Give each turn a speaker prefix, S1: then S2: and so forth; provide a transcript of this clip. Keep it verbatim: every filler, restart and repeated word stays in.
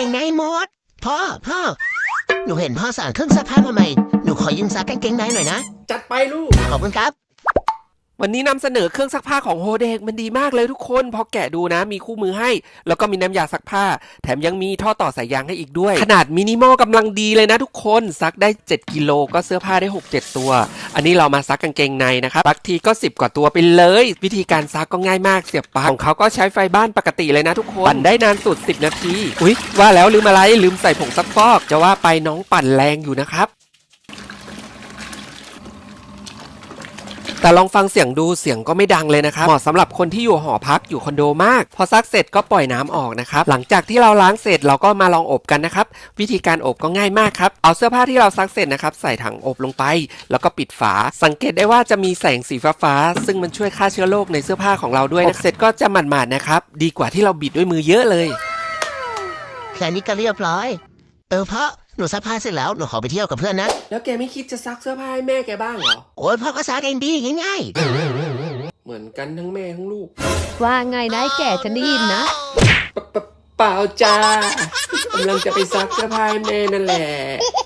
S1: งในหมดพ่อพ่อหนูเห็นพ่อสั่งเครื่องซักผ้ามาใหม่หนูขอยืมซักกางเกงในหน่อยนะ
S2: จัดไปลูก
S1: ขอบคุณครับ
S2: วันนี้นำเสนอเครื่องซักผ้าของโฮเดกมันดีมากเลยทุกคนพอแกะดูนะมีคู่มือให้แล้วก็มีน้ำยาซักผ้าแถมยังมีท่อต่อสายยางให้อีกด้วยขนาดมินิมอลกำลังดีเลยนะทุกคนซักได้เจ็ดกิโลก็เสื้อผ้าได้ หกเจ็ด ตัวอันนี้เรามาซักกางเกงในนะครับซักทีก็สิบกว่าตัวไปเลยวิธีการซักก็ง่ายมากเสียบปลั๊กของเขาก็ใช้ไฟบ้านปกติเลยนะทุกคนปั่นได้นานสุดสิบนาทีอุ๊ยว่าแล้วลืมอะไรลืมใส่ผงซักฟอกจะว่าไปน้องปั่นแรงอยู่นะครับแต่ลองฟังเสียงดูเสียงก็ไม่ดังเลยนะครับเหมาะสำหรับคนที่อยู่หอพักอยู่คอนโดมากพอซักเสร็จก็ปล่อยน้ำออกนะครับหลังจากที่เราล้างเสร็จเราก็มาลองอบกันนะครับวิธีการอบก็ง่ายมากครับเอาเสื้อผ้าที่เราซักเสร็จนะครับใส่ถังอบลงไปแล้วก็ปิดฝาสังเกตได้ว่าจะมีแสงสีฟ้าๆซึ่งมันช่วยฆ่าเชื้อโรคในเสื้อผ้าของเราด้วยนะเสร็จก็จะหมาดๆนะครับดีกว่าที่เราบิดด้วยมือเยอะเลย
S1: แค่นี้ก็เรียบร้อยเออพ่อหนูซักผ้าเสร็จแล้วหนูขอไปเที่ยวกับเพื่อนนะ
S2: แล้วแกไม่คิดจะซักเสื้อผ้าให้แม่แกบ้างเหรอ
S1: โอ้ยพ่อก็ซักเองดีง่าย
S2: ๆเหมือนกันทั้งแม่ทั้งลูก
S3: ว่าไงนายแก่ฉันได้ยินนะ
S2: เปล่าจ้ากำลังจะไปซักเสื้อผ้าให้แม่นั่นแหละ